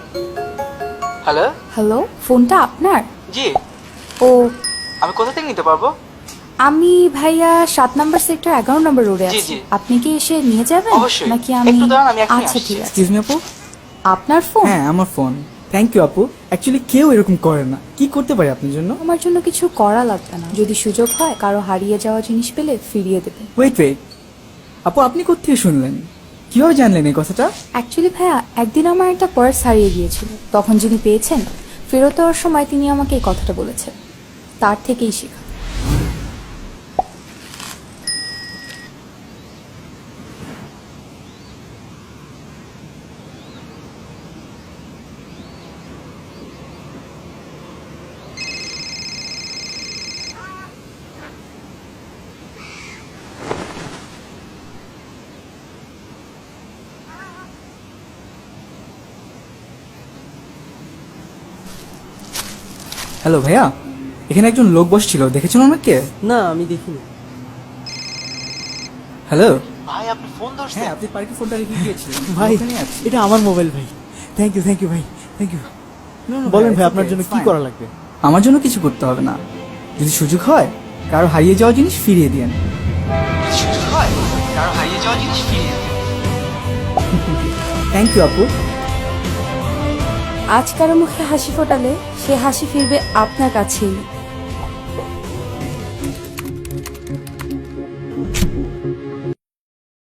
Hello. Hello, ফোনটা আপনার? জি। ও, আমি কোথা থেকে নিতে পারবো? আমি ভাইয়া 7 নম্বর সেক্টর 11 নম্বর রোডে জি, আছি। জি। আপনি কি এসে নিয়ে যাবেন? অবশ্যই। নাকি আমি? একটু দাঁড়ান, আমি এখনই আচ্ছা আসছি। ঠিক আছে। এক্সকিউজ মি আপু। আপনার ফোন? হ্যাঁ আমার ফোন। থ্যাংক ইউ আপু। অ্যাকচুয়ালি কেউ এরকম করে না। কি করতে পারি আপনার জন্য? আমার জন্য কিছু করা লাগবে না। যদি সুযোগ হয় কারো হারিয়ে যাওয়া জিনিস পেলে ফিরিয়ে দেবেন। ওয়েট আপু, আপনি কোত্থেকে শুনলেন? কিভাবে জানলেন এই কথাটা? অ্যাকচুয়ালি ভাইয়া একদিন আমার একটা পার্স হারিয়ে গিয়েছিল। তখন যিনি পেয়েছেন ফেরত দেওয়ার সময় তিনি আমাকে এই কথাটা বলেছেন। তার থেকেই শেখা। হ্যালো ভাইয়া, এখানে একজন লোক বসছিল, দেখেছেন ওনাকে? না আমি দেখিনি। হ্যালো। ভাই আপনি ফোন ধরছেন? হ্যাঁ, আপনি পার্কে ফোনটা রেখে গিয়েছিলেন। ভাই ওখানেই আছি। এটা আমার মোবাইল ভাই। থ্যাংক ইউ ভাই, থ্যাংক ইউ। No, no, বলেন ভাই it's আপনার okay, জন্য it's কি fine. করা লাগবে? আমার জন্য কিছু করতে হবে না। যদি সুযোগ হয় কারো হারিয়ে যাওয়া জিনিস ফিরিয়ে দিন। সুযোগ হয় কারো হারিয়ে যাওয়া জিনিস ফিরিয়ে দিন। থ্যাংক ইউ আপু। আজ কারো মুখে হাসি ফোটালে সে হাসি ফিরবে আপনার কাছেই।